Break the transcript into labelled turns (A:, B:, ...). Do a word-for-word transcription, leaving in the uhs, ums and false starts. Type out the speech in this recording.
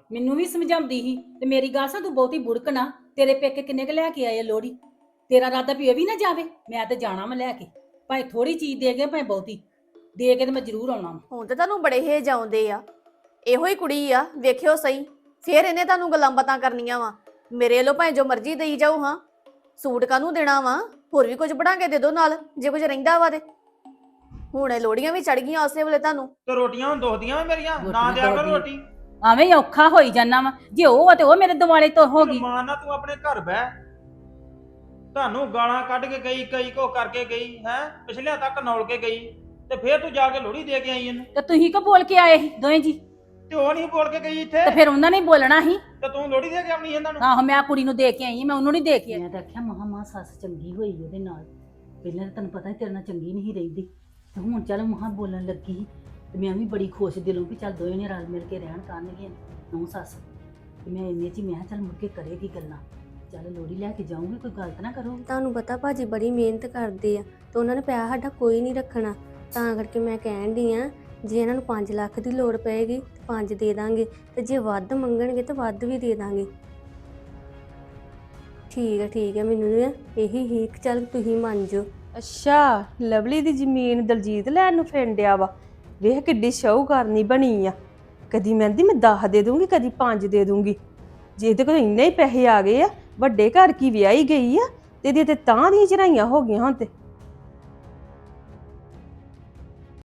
A: ਮੈਨੂੰ ਵੀ ਸਮਝਾਉਂਦੀ ਸੀ ਤੇ ਮੇਰੀ ਗੱਲ ਸੁਣ, ਤੂੰ ਬਹੁਤੀ ਬੁੜਕ ਨਾ। ਤੇਰੇ ਪੇਕੇ ਕਿੰਨੇ ਕ ਲੈ ਕੇ ਆਏ ਆ ਲੋਹੜੀ? ਤੇਰਾ ਇਰਾਦਾ ਵੀ ਇਹ ਵੀ ਨਾ ਜਾਵੇ? ਮੈਂ ਤੇ ਜਾਣਾ ਮੈਂ ਲੈ ਕੇ, ਭਾਵੇਂ ਥੋੜੀ ਚੀਜ਼ ਦੇ ਗਏ ਭਾਵੇਂ ਬਹੁਤੀ ਦੇ ਕੇ, ਤੇ ਮੈਂ ਜ਼ਰੂਰ ਆਉਣਾ।
B: ਹੁਣ ਤੇ ਤੁਹਾਨੂੰ ਬੜੇ ਹੇਜ ਆਉਂਦੇ ਆ। ਇਹੋ ਹੀ ਕੁੜੀ ਆ, ਵੇਖਿਓ ਸਹੀ। ਫੇਰ ਇਹਨੇ ਤੁਹਾਨੂੰ ਗੱਲਾਂ ਬਾਤਾਂ ਕਰਨੀਆਂ ਵਾ। ਮੇਰੇ ਵੱਲੋਂ ਭਾਵੇਂ ਜੋ ਮਰਜ਼ੀ ਦੇਈ ਜਾਓ। ਹਾਂ, ਸੂਟ ਕਾਹਨੂੰ ਦੇਣਾ ਵਾ? ਹੋਰ ਵੀ ਕੁਝ ਬਣਾ ਕੇ ਦੇ ਦੋ ਨਾਲ, ਜੇ ਕੁਝ ਰਹਿੰਦਾ ਵਾ ਤੇ। ਹੁਣ ਇਹ ਲੋੜੀਆਂ ਵੀ ਚੜ ਗਈਆਂ ਉਸੇ ਵੇਲੇ ਤੁਹਾਨੂੰ।
C: ਤੇ ਰੋਟੀਆਂ ਹੁਣ ਦੋਖਦੀਆਂ ਵਾ ਮੇਰੀਆਂ, ਨਾ ਦਿਆ ਕਰ ਰੋਟੀ।
A: ਐਵੇਂ ਹੀ ਔਖਾ ਹੋਈ ਜਾਨਾ ਵਾ। ਜੇ ਉਹ ਆ ਤੇ ਉਹ ਮੇਰੇ ਦਿਵਾਲੇ ਤੋਂ ਹੋ ਗਈ।
C: ਮਾਂ ਨਾ ਤੂੰ ਆਪਣੇ ਘਰ ਬਹਿ। ਤੁਹਾਨੂੰ ਗਾਲਾਂ ਕੱਢ ਕੇ ਗਈ, ਕਈ ਕੋ ਕਰਕੇ ਗਈ ਹੈ, ਪਿਛਲਿਆਂ ਤੱਕ ਨੌਲ ਕੇ ਗਈ, ਤੇ ਫੇਰ ਤੂੰ ਜਾ ਕੇ ਲੋਹੜੀ ਦੇ ਕੇ ਆਈ ਇਹਨੂੰ।
A: ਤੇ ਤੁਸੀਂ ਕੋ ਬੋਲ ਕੇ ਆਏ ਸੀ ਦੋਵੇਂ ਜੀ?
C: ਤੇ ਉਹ ਨਹੀਂ ਬੋਲ ਕੇ ਗਈ ਇੱਥੇ,
A: ਤੇ ਫਿਰ ਉਹਨਾਂ ਨੇ ਬੋਲਣਾ ਸੀ।
C: ਤੇ ਤੂੰ ਲੋਹੜੀ ਦੇ ਕੇ ਆਉਣੀ ਇਹਨਾਂ ਨੂੰ।
A: ਆਹੋ, ਮੈਂ ਕੁੜੀ ਨੂੰ ਦੇ ਕੇ ਆਈ, ਮੈਂ ਉਹਨੂੰ ਨਹੀਂ ਦੇ ਕੇ ਆਈ। ਮੈਂ ਤਾਂ ਆਖਿਆ ਮਹਾ ਮਾਂ ਸੱਸ ਚੰਗੀ ਹੋਈ ਉਹਦੇ ਨਾਲ। ਪਹਿਲਾਂ ਤਾਂ ਤੈਨੂੰ ਪਤਾ ਤੇਰੇ ਨਾਲ ਚੰਗੀ ਨਹੀਂ ਰਹਿੰਦੀ, ਤੇ ਹੁਣ ਚੱਲ ਮਹਾ ਬੋਲਣ ਲੱਗੀ ਤੇ ਮੈਂ ਵੀ ਬੜੀ ਖੁਸ਼ ਦਿਲੋਂ ਵੀ ਚੱਲ ਦੋਵੇਂ ਨੇ ਰਲ ਮਿਲ ਕੇ ਰਹਿਣ ਕਰਨਗੀਆਂ ਨੂੰਹ ਸੱਸ। ਤੇ ਮੈਂ ਇੰਨੇ 'ਚ ਹੀ ਮੈਂ ਕਿਹਾ ਚੱਲ ਮੁੜ ਕੇ ਕਰੇਗੀ ਗੱਲਾਂ। ਚੱਲ ਲੋਹੜੀ ਲੈ ਕੇ ਜਾਊਂਗੀ, ਕੋਈ ਗਲਤ ਨਾ ਕਰੋ।
D: ਤੁਹਾਨੂੰ ਪਤਾ ਭਾਜੀ ਬੜੀ ਮਿਹਨਤ ਕਰਦੇ ਆ ਤੇ ਉਹਨਾਂ ਨੇ ਪੈਸਾ ਸਾਡਾ ਕੋਈ ਨਹੀਂ ਰੱਖਣਾ, ਤਾਂ ਕਰਕੇ ਮੈਂ ਕਹਿਣ ਡਈ ਆ ਜੇ ਇਹਨਾਂ ਨੂੰ ਪੰਜ ਲੱਖ ਦੀ ਲੋੜ ਪਏਗੀ ਤੇ ਪੰਜ ਦੇ ਦਾਂਗੇ, ਤੇ ਜੇ ਵੱਧ ਮੰਗਣਗੇ ਤਾਂ ਵੱਧ ਵੀ ਦੇ ਦਾਂਗੇ। ਠੀਕ ਹੈ ਠੀਕ ਹੈ, ਮੈਨੂੰ ਨਾ ਇਹੀ ਹੀ ਚੱਲ ਤੁਸੀਂ ਮੰਨ ਜਾਓ।
E: ਅੱਛਾ, ਲਵਲੀ ਦੀ ਜ਼ਮੀਨ ਦਲਜੀਤ ਲੈਣ ਨੂੰ ਫਿਰਦਿਆ ਵਾ। ਵੇਖ ਕਿੱਡੀ ਸ਼ਾਹੂਕਾਰਨੀ ਬਣੀ ਆ। ਕਦੀ ਮਹਿੰਦੀ ਮੈਂ ਦਸ ਦੇ ਦੂੰਗੀ, ਕਦੀ ਪੰਜ ਦੇ ਦੂੰਗੀ। ਜੇ ਇਹਦੇ ਕੋਲ ਇੰਨੇ ਹੀ ਪੈਸੇ ਆ ਗਏ ਆ, ਵੱਡੇ ਘਰ ਕੀ ਵਿਆਹੀ ਗਈ ਆ, ਤੇ ਇਹਦੀ ਤੇ ਤਾਂ ਦੀਆਂ ਚੜਾਈਆਂ ਹੋ ਗਈਆਂ ਹੁਣ ਤੇ।